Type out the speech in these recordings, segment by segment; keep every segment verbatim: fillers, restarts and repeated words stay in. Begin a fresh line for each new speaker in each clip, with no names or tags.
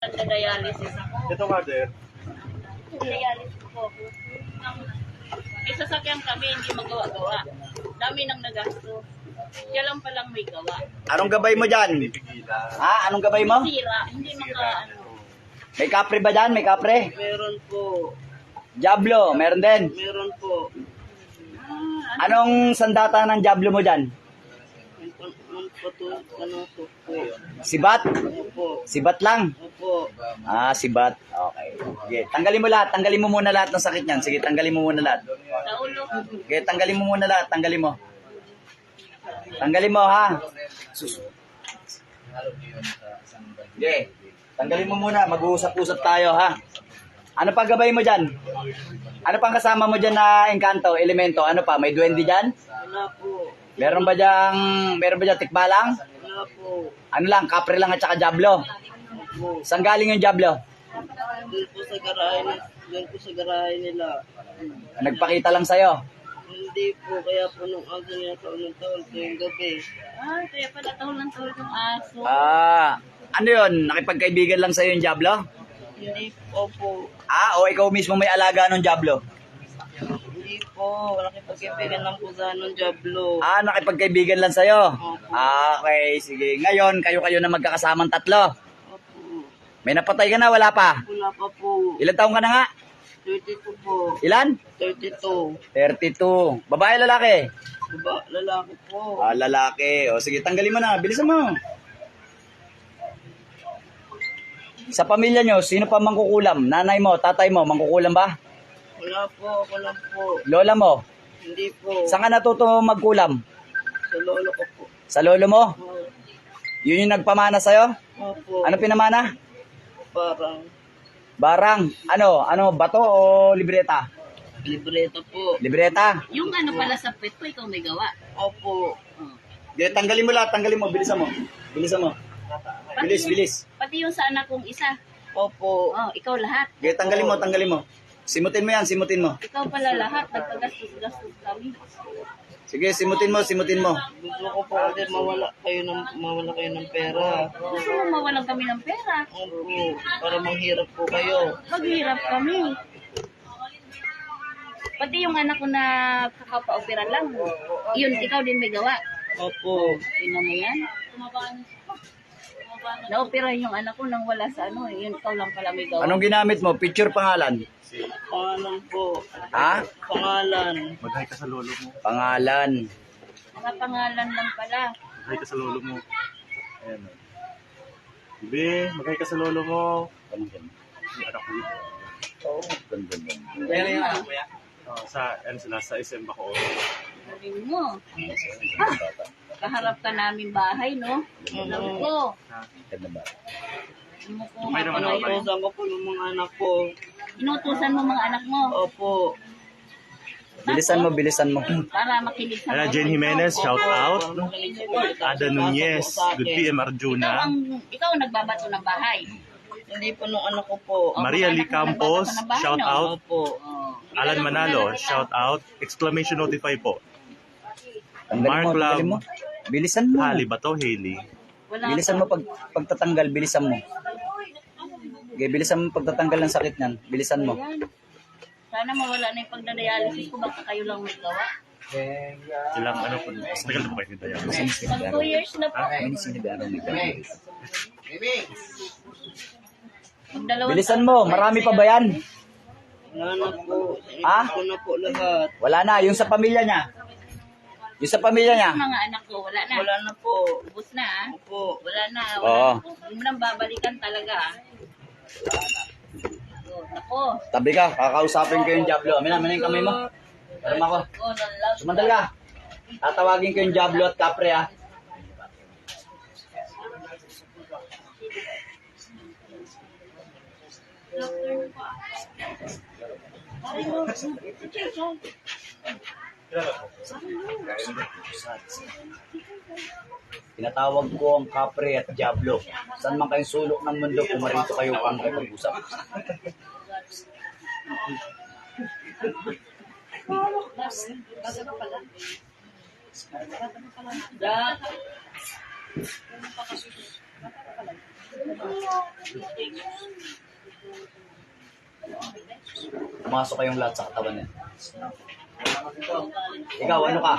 Nagda-dialysis ako.
Ito nga, sir.
Dialysis ko. May sasakyan kami, hindi magawa-gawa. Dami nang nagasto. Siya lang palang may gawa.
Anong gabay mo dyan? Ha? Anong gabay mo?
Sira, hindi maka ano.
May kapre ba dyan? May kapre?
Meron po.
Diablo, meron din.
Meron po.
Anong sandata ng Diablo mo dyan?
Ang pato, ano po.
Sibat?
Opo.
Sibat lang?
Opo.
Ah, sibat. Okay. Sige, tanggalin mo lahat. Tanggalin mo muna lahat ng sakit niyan. Sige, tanggalin mo muna lahat.
Sa ulo.
Sige, tanggalin mo muna lahat. Tanggalin mo. Tanggalin mo, ha? Sus. Sige, tanggalin mo muna. Mag-uusap-usap tayo, ha? Ano pa gabay mo dyan? Ano pang kasama mo dyan na engkanto, elemento? Ano pa? May duwende dyan?
Wala po.
Meron ba dyang, meron ba dyang tikbalang?
Wala po.
Ano lang, kapre lang at saka Diablo?
Opo.
Saan galing yung Diablo?
Doon po sa garahe nila. Doon po sa garahe nila.
Nagpakita lang sa'yo.
Hindi po, kaya po nung aso niya taon ng taon po yung gabi. Ah, kaya pala taon ng taon yung aso.
Ah, ano yun? Nakipagkaibigan lang sa'yo yung Diablo?
Hindi po po.
Ah, o ikaw mismo may alaga ng Diablo?
Hindi po, nakipagkaibigan lang po sa anong Diablo.
Ah, nakipagkaibigan lang sa'yo?
Opo.
Ah, okay, sige. Ngayon, kayo-kayo na magkakasamang tatlo.
Opo.
May napatay ka na, wala pa?
Wala pa po.
Ilan taong ka na nga?
thirty-two po.
Ilan?
thirty-two.
thirty-two. Babae, lalaki?
Diba, lalaki po.
Ah, lalaki. O sige, tanggalin mo na. Bilisan mo. Sa pamilya nyo, sino pa mangkukulam? Nanay mo, tatay mo, mangkukulam ba?
Wala po, ako lang po.
Lola mo?
Hindi po.
Saan ka natuto magkulam?
Sa lolo ko po.
Sa lolo mo?
Oh,
Yun yung nagpamana sa'yo?
Opo.
Ano pinamana?
Parang
Barang. Ano? Ano? Bato o libreta?
libreta po.
Libreta.
Yung ano pala sa pet ko, ikaw may gawa. Opo. Oh.
Di, tanggalin mo lahat. Tanggalin mo. Bilisan mo. Bilisan mo. Bilis, bilis.
Pati yung sa anak kong isa. Opo. Oh, ikaw lahat.
Di, tanggalin mo. Tanggalin mo. Simutin mo yan. Simutin mo.
Ikaw pala lahat. Nagpagastos-gastos kami.
Sige, simutin mo. Simutin mo.
Gusto ko po kasi mawala kayo ng mawala kayo ng pera. Gusto mo mawalan kami ng pera? Opo. Para manghirap po kayo. Maghirap kami. Pati yung anak ko na kakapa-opera lang. Yun, ikaw din may gawa. Opo. Tingnan mo yan. Na-opera yung anak ko nang wala sa ano. Yun, ikaw lang pala may gawa.
Anong ginamit mo? Picture, pangalan?
Pangalan po.
Ha?
Pangalan.
Mag-hi ka sa lolo mo.
Pangalan.
Mga pangalan lang pala.
Mag-hi ka sa lolo mo. Ayan. o. Bibi, mag-hi ka sa lolo mo.
Anong ganun?
Yung anak ko yun.
Oo, ganun, ganun.
Kaya yung anak ko
Oh, sa, ano sila, sa S M Bacoor.
Galing mo. Ah, kaharap ka namin bahay, no? Alam ko.
Ganda ba?
Kumukuha
May
pa
naman
na
ako.
Inutusan ko po yung mga anak ko. Inutusan mo mga anak mo? Opo.
Bilisan mo, bilisan mo.
Para makinig sa
Ayan,
mga
Jane Jimenez,
kwento.
shout
Opo.
out.
Makinig sa kwento.
Ada Nunez, good P M
Ikaw
Arjuna.
ang, ikaw ang nagbabato ng bahay. Hindi po nung anak ko po.
Maria Lee Campos, shout out.
Opo.
Alan Manalo, shout out. Exclamation notify po.
Tanggalin
Mark
mo, tanggalin mo.
Love,
Bilisan mo.
Hali ba to, Hailey?
Wala
Bilisan mo pag pagtatanggal, bilisan mo. Okay, bilisan mo pagtatanggal ng sakit niyan. Bilisan mo.
Ayan. Sana mawala na yung pagdadialysis ko. Baka kayo lang may gawa.
Ilang ano po, mas tagal po kayo ni Dayan.
Pag two years na po.
May sinabi may ganun.
Pag dalawang
Bilisan mo, marami pa ba yan?
Wala na po.
Ha?
Ko na po lahat.
Wala na, yung sa pamilya niya. Yung sa pamilya niya.
Mga anak ko, wala na. Wala na po. Ubus na, ah. Opo. Wala na. Wala
Oo.
na po. Hindi mo nang babalikan talaga, ah. Oh, nako.
Tabi ka, kakausapin ko yung Diablo. Amin na, amin na yung kamay mo. Alam ako.
Oh, nalaw.
Sumandal ka. Tatawagin ko yung Diablo at Capre, ha. Tinatawag ko ang Capre at Diablo. Saan man kayong sulok ng mundo, pumarito kayo pang kapag-usap.
Da.
Pumasok kayong lahat sa katawan niya. Ikaw, ano ka?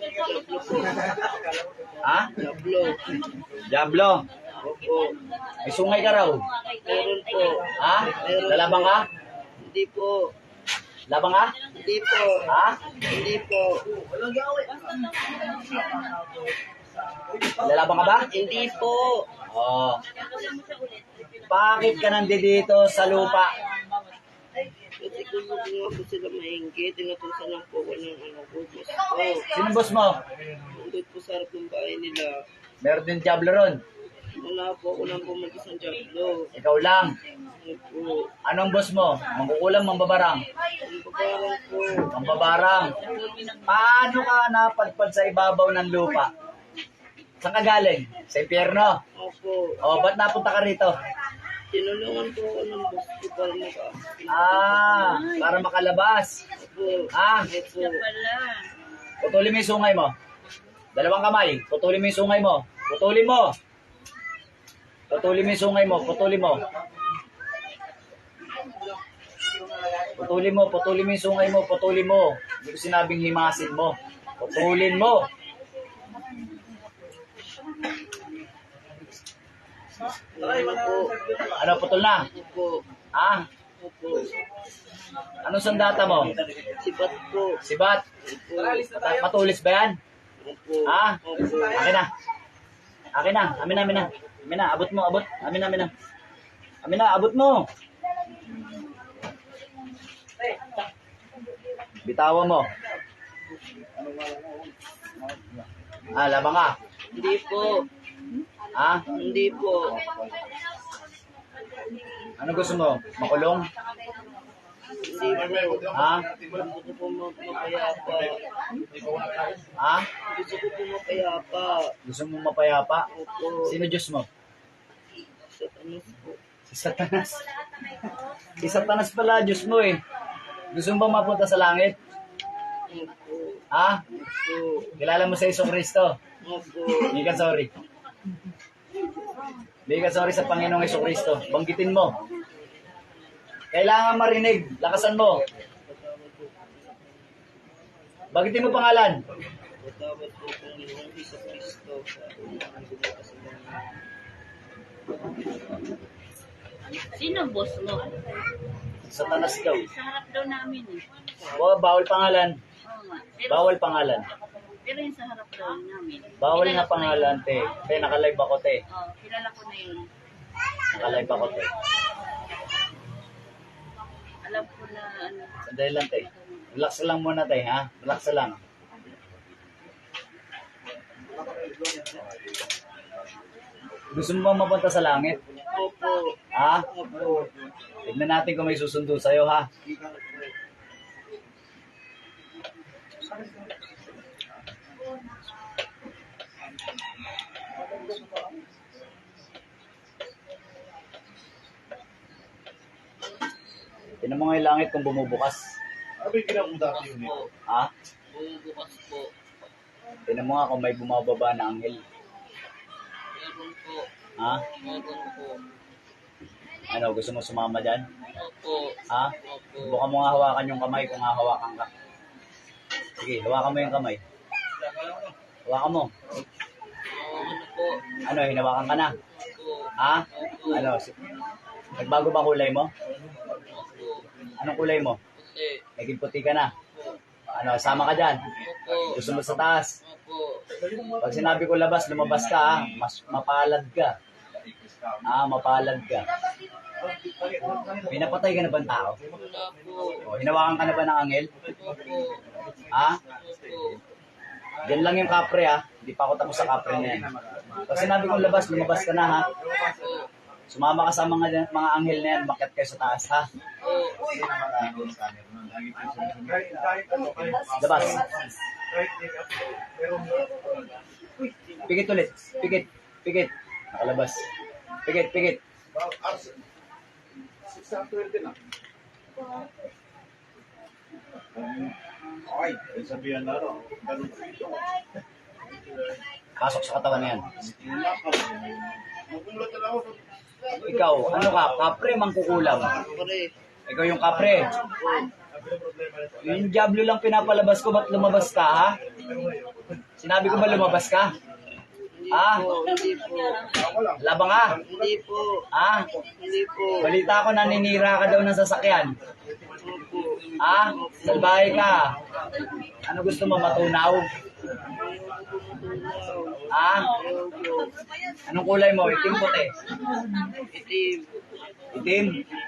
Ha?
Diablo.
Diablo.
Opo.
May sungay ka raw.
Meron po.
Ha? Lalabang ka?
Hindi po.
Labang ka?
Hindi po.
Ha?
Hindi po.
Lalabang ka ba?
Hindi po.
Oo. Bakit ka nandito sa lupa?
Kasi kung hindi nga po sila maingit, tinutusan lang po ko ng ano po, boss ko.
Sino boss mo?
Nandun po sa harap ng bahay nila.
Meron din Diablo ron.
Wala po ako lang po mag-isang Diablo.
Ikaw lang.
Ano po?
Anong boss mo? Mangkukulam, mambabarang?
Ang babarang po.
Mambabarang. Paano ka napadpad sa ibabaw ng lupa? Saan ka galing? Sa impyerno?
Opo.
O, ba't napunta ka rito?
Tinulungan po ako ng boss ko para maka...
Ah, para makalabas.
Opo.
Ah,
Opo.
putulin mo yung sungay mo. Dalawang kamay. Putulin mo yung sungay mo. Putulin mo. Putulin mo yung sungay mo. Putulin mo. Putulin mo. Putulin mo yung sungay mo. Putulin mo. Hindi ko sinabing himasin mo. Putulin mo.
Ano po?
Ano, putol na?
Opo.
Ah,
Opo.
anong sandata mo?
Sibat po.
Sibat?
Opo.
Mat- Matulis ba yan?
Opo.
Ah,
Opo.
akin na. Akin na. Amin na, amin na. Amin na, abot mo, abot. Amin na, amin na. Amin na, abot mo. Bitawan mo. Ah, labang ka.
Hindi po.
Ah,
Hindi po.
ano gusto mo? Makulong?
Hindi po.
Ha?
Gusto ko po ma- mapayapa.
Ha?
Gusto ko po mapayapa.
Gusto mo mapayapa?
Opo.
Sino Diyos mo?
Sa tanas po.
Si Satanas. Si Satanas pala, Diyos mo eh. Gusto mo ba mapunta sa langit?
Opo.
Ha?
Opo.
Kilala mo sa Isong Kristo?
Opo.
Hindi ka sorry. Hindi ka sorry sa Panginoong Isong Kristo. Banggitin mo. Kailangan marinig. Lakasan mo. Banggitin mo pangalan.
Patawad po Panginoong Hesus Kristo sa ang gumawa sa mga. Sino ang boss mo?
Satanas daw.
Sa harap daw namin eh.
Oh, bawal pangalan.
Oo nga. Pero,
Bawal pangalan.
pero yung sa harap daw namin.
Bawal
Kilala
na
ko
pangalan,
yun.
te. Te, nakalive ako, te.
Oo, kilala ko na yun.
Nakalive ako, te.
Alam ko na ano.
Sandali lang, te. Relax lang muna, te, ha? Relax lang. Gusto mo bang mapunta sa langit?
Opo.
Ha?
Opo.
Tignan natin kung may susundo sa'yo, ha? Tignan mo nga yung langit kung bumubukas.
Ano yung ginawa mo dati yun eh?
Ha?
Bumubukas po.
Tignan mo nga kung may bumababa na anghel.
Meron po.
Ha?
Meron po.
Ano, gusto mo sumama dyan?
Opo.
Ha?
Opo.
Subukan mo nga hawakan yung kamay kung hahawakan ka. Sige, hawakan mo yung kamay. Hawakan mo.
Oo, ano po.
Ano, hinawakan ka na?
Opo.
Ha? Ano, si- nagbago ba kulay mo?
Opo.
Anong kulay mo?
Kasi.
Naging puti ka na.
Opo.
Ano, sama ka dyan.
Opo.
Gusto mo sa taas.
Opo.
Pag sinabi ko labas, lumabas ka ha. Mas mapalad ka. Ah, mapalad ka. Pinapatay ka na ba ng tao?
Wala po.
O, hinawakan ka na ba ng anghel?
Opo.
Ha?
Opo.
Yan lang yung kapre ha. Hindi pa ako tapos sa kapre na yan. Pag sinabi kong labas, lumabas ka na ha.
Opo.
Sumama ka sa mga mga anghel na yan, makiat kayo sa taas ha.
Opo.
Labas. Pikit ulit. Pikit. Pikit. Nakalabas. Pikit, pikit.
Ay, sabihan na rin.
Pasok sa katawan na yan.
Nagulat na ako.
Ikaw, ano ka? Kapre, mangkukulam.
Pare.
Ikaw yung kapre. Yung Diablo lang pinapalabas ko, ba't lumabas ka, ha? Sinabi ko ba lumabas ka? Ah,
Hindi po.
labang ka.
Hindi po.
Ah,
Hindi po.
balita ko naninira ka daw ng sasakyan.
Opo.
Ah, salbahe ka. Ano gusto mo, matunaw? Ah,
Opo.
anong kulay mo? Itim puti?
Itim.
Itim?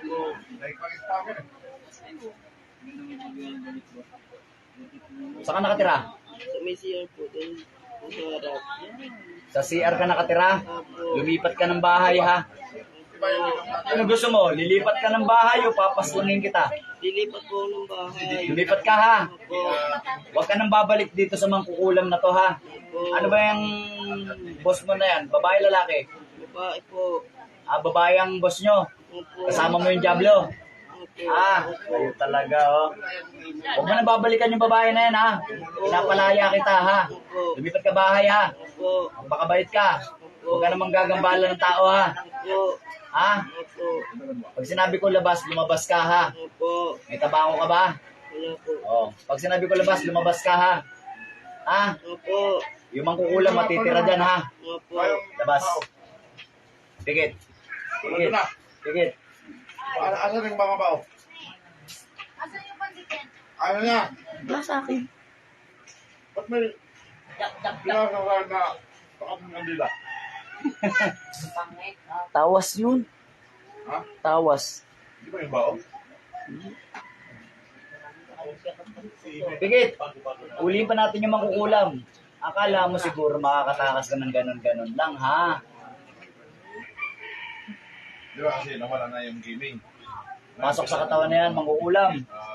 Saan ka nakatira?
Sumisiyan po doon. Sa harap.
Sa C R ka nakatira? Lumipat ka ng bahay, ha? Ano gusto mo? Lilipat ka ng bahay o papaslangin kita?
Lilipat po ng bahay.
Lumipat ka, ha?
Opo.
Huwag ka nang babalik dito sa mangkukulam na to, ha? Ano ba yung boss mo na yan? Babae, lalaki?
Babae po.
Ah, babae ang boss nyo.
Opo.
Kasama mo yung Diablo.
Opo.
Ah, kayo talaga, oh. Huwag mo na babalikan yung babae na yan, ha? Pinapalaya kita, ha? Lumipat ka bahay, ha?
Opo.
Magpakabait ka. Huwag ka namang gagambala ng tao, ha?
Opo.
Ha?
Opo.
Pag sinabi ko labas, lumabas ka, ha?
Opo.
May trabaho ka ba?
Wala po.
Oh. Pag sinabi ko labas, lumabas ka, ha? Ha?
Opo.
Yung mangkukulam, matitira dyan, ha?
Opo.
Labas. Pigit. Pigit. Pigit.
Para asan yung mga bao? Ano niya?
Nasa akin.
Ba't may ginagawa na pakapang kandila?
Tawas yun.
Ha?
Tawas.
Di ba yung bao?
Pigit. Uliin pa natin yung mangkukulam. Akala mo siguro makakatakas ka ng ganon-ganon lang, ha?
Di ba kasi nawala na yung gaming?
Pasok sa katawan na yan, mangkukulam.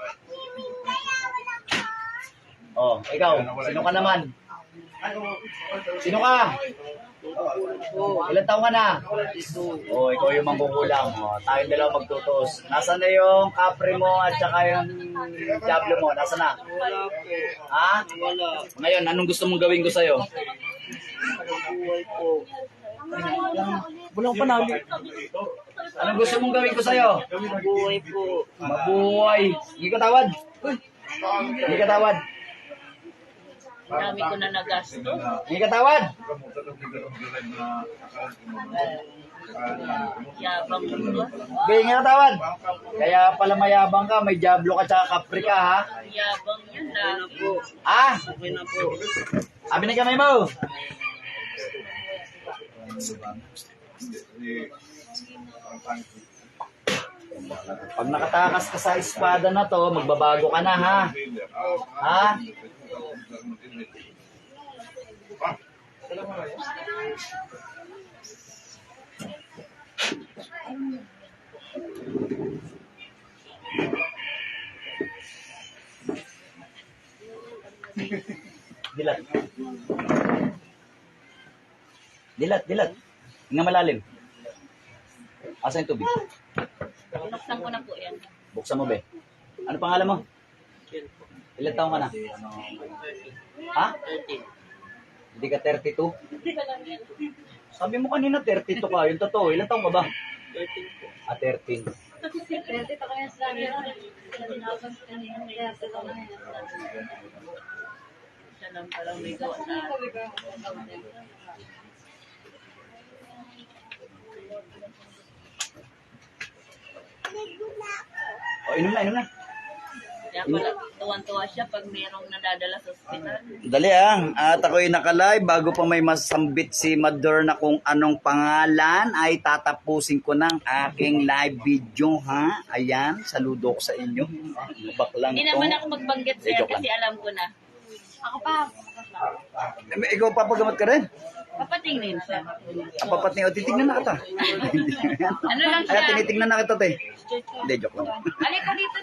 Oh, ikaw, sino ka naman? Sino ka? Ilan taong ka na? Oh, ikaw yung mangkukulam. Oh, tayong dalawa magtutos. Nasaan na yung kapre mo at saka yung Diablo mo? Nasaan na?
Wala po.
Ha?
Wala.
Ngayon, anong gusto mong gawin ko sa'yo?
Buhay po.
Walang panali. Anong gusto mong gawin ko sa'yo?
Buhay po.
Mabuhay. Hindi ka tawad. Hindi ka tawad.
Dami ko na nagasto.
Hindi ka tawad.
Yabang mo.
Hindi ka tawad. Kaya pala mayabang ka, may Diablo ka tsaka kapre ka, ha?
Yabang yan na. po.
Ah,
Okay na po.
abi na kamay mo. Pag nakatakas ka sa espada na to, magbabago ka na, ha? Ha? Dilat. Dilat, dilat. Hinga malalim. Asa yung tubig?
Binuksan ko na po yan.
Buksan mo, be. Ano pangalan mo? Ilan taong ka na? Ha?
thirteen.
Hindi ka thirty-two? Sabi mo kanina thirty-two ka. Yung totoo, ilan taong ka ba?
thirteen po.
Ah, thirteen.
Siya lang palang may gawa sa
O, inom na, inom na.
Kaya pala, tuwan-tuwa siya pag mayroong nadadala sa ospital.
Dali ah, at ako'y nakalive bago pa may masambit si Mador na kung anong pangalan ay tatapusin ko ng aking live video, ha? Ayan, saludo ko sa inyo. Baklang
Hindi
to.
naman ako magbanggit
Eh,
sir
joke
kasi alam ko na. Ako pa.
Eh, ikaw papagamot ka rin?
Papatingin siya.
Ang papating, o titignan na kita.
Ano lang
Ay,
siya?
tinitignan na kita, te. Hindi, joke lang.
Alika dito.